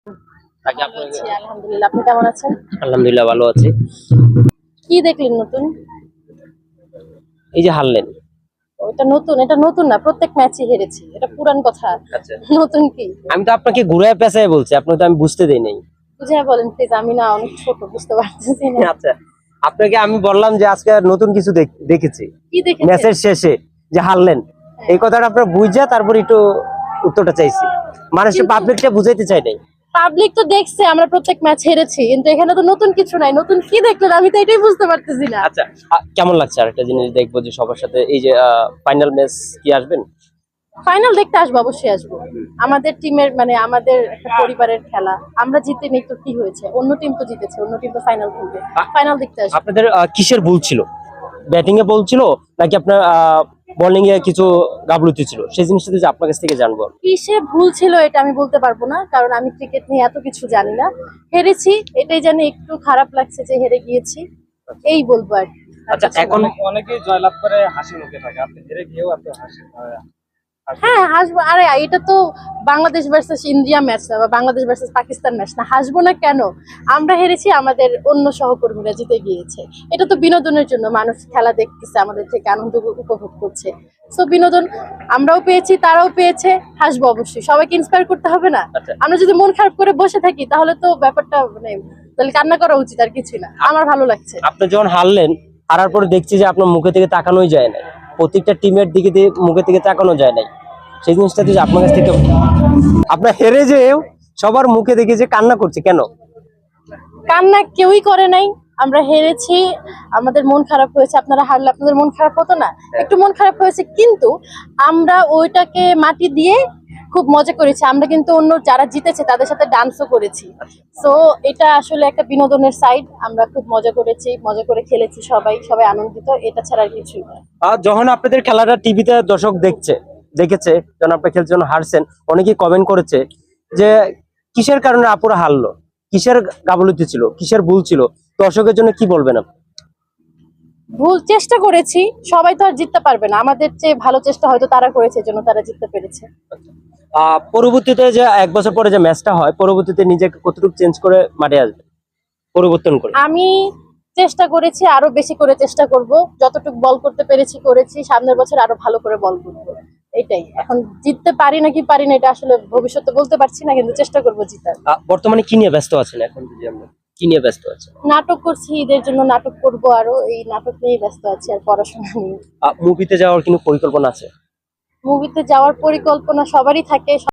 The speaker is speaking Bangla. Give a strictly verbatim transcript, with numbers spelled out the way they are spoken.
তাকে ভালো আপনাকে আছি, আলহামদুলিল্লাহ। আপনি কেমন আছেন? আলহামদুলিল্লাহ ভালো আছি। কি দেখলেন নতুন? এই যে হারলেন। ওটা নতুন, এটা নতুন না, প্রত্যেক ম্যাচে হেরেছি, এটা পুরান কথা। আচ্ছা, নতুন কি? আমি তো আপনাকে ঘুরায় পেঁচায় বলছি, আপনি তো আমি বুঝতে দেই নাই। বুঝিয়ে বলেন প্লিজ, আমি না অনেক ছোট, বুঝতে পারতেছি না। আচ্ছা, আপনাকে আমি বললাম যে আজকে নতুন কিছু দেখ- দেখেছি কি দেখেছেন? ম্যাচের শেষে যে হারলেন, এই কথাটা আপনার বুঝা তারপর একটু উত্তরটা চাইছি, মানুষকে কিন্তু পাবলিকটা বুঝাইতে চাই নাই। পাবলিক তো দেখছে আমরা প্রত্যেক ম্যাচ হেরেছি, কিন্তু এখানে তো নতুন কিছু নাই। নতুন কি দেখলেন আমি তো এটাই বুঝতে পারতেছি না। আচ্ছা, আ- কেমন লাগছে আরেকটা জিনিস দেখবো যে সবার সাথে এই যে ফাইনাল ম্যাচ কি আসবেন? ফাইনাল দেখতে আসবো, অবশ্যই আসবো। আমাদের টিমের মানে আমাদের একটা পরিবারের খেলা, আমরা জিতে নেই তো কি হয়েছে? অন্য টিম তো জিতেছে, অন্য টিম তো ফাইনাল খেলবে। ফাইনাল দেখতে আসবো। আপনাদের আহ, কিসের ভুল ছিল? ব্যাটিং এ ভুল ছিল নাকি আপনার বোলিং এ কিছু গাফলতি ছিল? সেই জিনিসটা যে আপনার কাছ থেকে জানবো। কিসে ভুল ছিল এটা আমি বলতে পারবো না, কারণ আমি ক্রিকেট নিয়ে এত কিছু জানি না। হেরেছি, এটাই জানি একটু খারাপ লাগছে যে হেরে গিয়েছি, এই বলবো আর কি। আর আচ্ছা, কিছু না। এখন অনেকেই জয়লাভ করে হাসি মুখে থাকে, আপনি হেরে গিয়েও আপনি হাসি হাসি হ্যাঁ হাসবো, আরে এটা তো বাংলাদেশ ভার্সেস ইন্ডিয়া ম্যাচ না, বা বাংলাদেশ ভার্সেস পাকিস্তান ম্যাচ না, হাসবো না কেন? আমরা হেরেছি, আমাদের অন্য সহকর্মীরা জিতে গিয়েছে। এটা তো বিনোদনের জন্য, মানুষ খেলা দেখতেছে, আমাদের থেকে আনন্দ উপভোগ করছে। সো বিনোদন আমরাও পেয়েছি, তারাও পেয়েছে, হাসবো অবশ্যই। সবাইকে ইন্সপায়ার করতে হবে না? আচ্ছা। আমরা যদি মন খারাপ করে বসে থাকি তাহলে তো ব্যাপারটা মানে, তাহলে কান্না করা উচিত, আর কিছুই না। আমার ভালো লাগছে। আপনি যখন হারলেন, হারার পরে দেখছি যে আপনার মুখে থেকে তাকানোই যায় না, প্রত্যেকটা টিমের দিকে দিয়ে মুখে থেকে তাকানো যায় নাই। সেই জিনিসটা যে আপনার কাছ থেকে, আপনার হেরে যে সবার মুখে দেখে যে কান্না করছে কেন? কান্না কেউই করে নাই। আমরা হেরেছি, আমাদের মন খারাপ হয়েছে। আপনারা হারলে আপনাদের মন খারাপ হতো না? একটু মন খারাপ হয়েছে, কিন্তু আমরা ওইটাকে মাটি দিয়ে খুব মজা করেছি। আমরা কিন্তু অন্য যারা জিতেছে তাদের সাথে ডান্সও করেছি। সো এটা আসলে একটা বিনোদনের সাইড। আমরা খুব মজা করেছি, মজা করে খেলেছি, সবাই সবাই আনন্দিত, এটা ছাড়া আর কিছুই না। আর যখন আপনাদের খেলাটা টিভিতে দর্শক দেখছে দেখেছে যখন আপনি খেলছেন, যখন হারছেন, অনেকেই কমেন্ট করেছে যে কিসের কারণে আপুরা হারলো, কিসের গাফলতি ছিল, কিসের ভুল ছিল। দর্শকের জন্য কি বলবেন আপনি? ভুল চেষ্টা করেছি, সবাই তো আর জিততে পারবে না। আমাদের চেয়ে ভালো চেষ্টা হয়তো তারা করেছে, জন্য তারা জিততে পেরেছে। আহ পরবর্তীতে যে এক বছর পরে যে ম্যাচটা হয়, পরবর্তীতে নিজেকে কতটুকু চেঞ্জ করে মাঠে আসবে, পরিবর্তন করে? আমি চেষ্টা করেছি, আরো বেশি করে চেষ্টা করব। যতটুকু বল করতে পেরেছি করেছি, সামনের বছর আরো ভালো করে বল করব। এটাই। এখন জিততে পারি নাকি পারি না এটা আসলে ভবিষ্যতে বলতে পারছি না, কিন্তু চেষ্টা করব জিতার। আহ, বর্তমানে কি নিয়ে ব্যস্ত আছেন এখন, যদি আমরা কি নিয়ে ব্যস্ত আছেন? নাটক করছি, ঈদের জন্য নাটক করব, আরো এই নাটক নিয়েই ব্যস্ত আছি, আর পড়াশোনা নিয়ে। মুভিতে যাওয়ার কোনো পরিকল্পনা আছে? মুভিতে যাওয়ার পরিকল্পনা সবারই থাকে।